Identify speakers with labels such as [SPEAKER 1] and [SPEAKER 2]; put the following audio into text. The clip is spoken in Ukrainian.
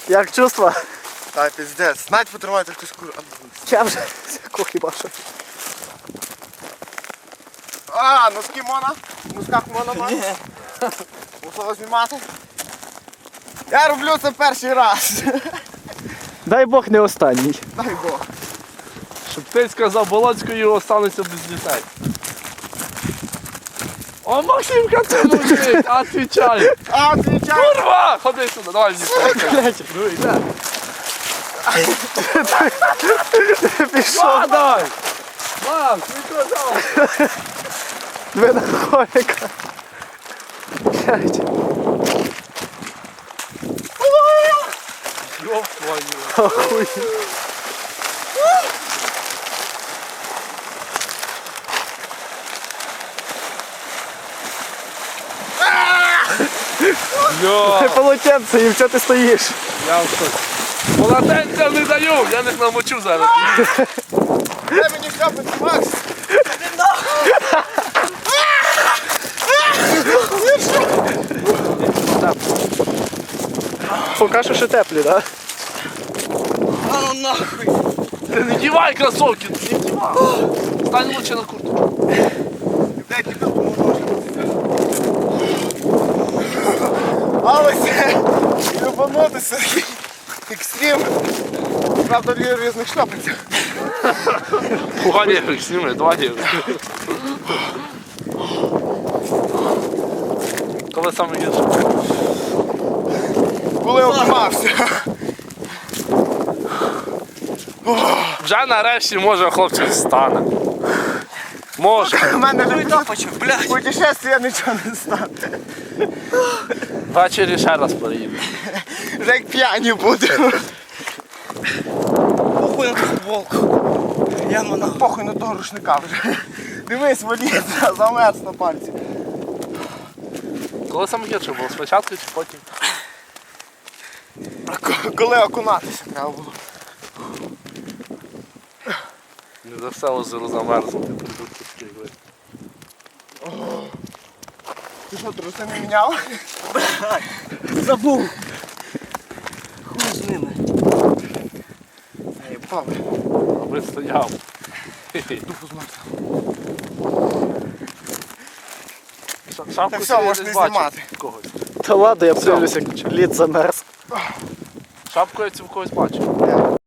[SPEAKER 1] Як чувства?
[SPEAKER 2] Та піздець. Навіть потримайте якусь куру.
[SPEAKER 1] Я вже хіба що.
[SPEAKER 2] А, носки можна? В носках можна мати? Мусило знімати? Я роблю це перший раз.
[SPEAKER 1] Дай Бог не останній.
[SPEAKER 2] Дай Бог.
[SPEAKER 3] Щоб ти сказав Болоцькою, остануться без дітей. О, Максимка, ти мужик, отвечай.
[SPEAKER 2] А, отвічай.
[SPEAKER 3] Курва! Ходи сюди, давай дітей. Ну йде.
[SPEAKER 1] Пішов.
[SPEAKER 3] Падай! Макс, не казав.
[SPEAKER 1] Ви на холіка. Блядь.
[SPEAKER 3] Ёб твою.
[SPEAKER 1] Охуй.
[SPEAKER 3] Бля,
[SPEAKER 1] Полотенце, і що ти стоїш?
[SPEAKER 3] я в шоці. Полотенця не даю, я них намочу зараз.
[SPEAKER 2] Дай мені шльопати, Макс.
[SPEAKER 1] Поки що ще теплі, так?
[SPEAKER 2] А ну нахуй.
[SPEAKER 3] Ти не дівай кросовки, не дівай. Стань лучше на куртку.
[SPEAKER 2] Дай тобі допоможу. Але це любанутися. Екстрім. Правда, дві різних шльопанцях.
[SPEAKER 3] Пуганєвик сніми, два євик. Коли саме гірше?
[SPEAKER 2] Коли обмався.
[SPEAKER 3] Вже нарешті може хлопчик стане. Може.
[SPEAKER 2] У мене вже путешествия нічого не стане.
[SPEAKER 3] Ввечері ще раз переїду.
[SPEAKER 2] Вже як п'яні будемо.
[SPEAKER 4] Похуй на футболку. Я на
[SPEAKER 2] Похуй на того рушника вже. Дивись, воліться, замерз на пальці.
[SPEAKER 3] Коли саме гірше було? Спочатку чи потім?
[SPEAKER 2] Коли окунатися треба було.
[SPEAKER 3] Не за все озеро замерзнути, придурки такі.
[SPEAKER 2] Ти що, труси не міняв?
[SPEAKER 4] забув. Хуй з ними.
[SPEAKER 2] Ей, Павле,
[SPEAKER 3] Аби стояв.
[SPEAKER 2] духу змерз.
[SPEAKER 3] Шапку
[SPEAKER 2] Так все,
[SPEAKER 3] собі
[SPEAKER 2] можеш
[SPEAKER 3] десь
[SPEAKER 2] не
[SPEAKER 3] бачив
[SPEAKER 2] знімати.
[SPEAKER 3] когось.
[SPEAKER 1] Та ладно, я подивлюся, як лід замерз.
[SPEAKER 3] Шапку я цю в когось бачив.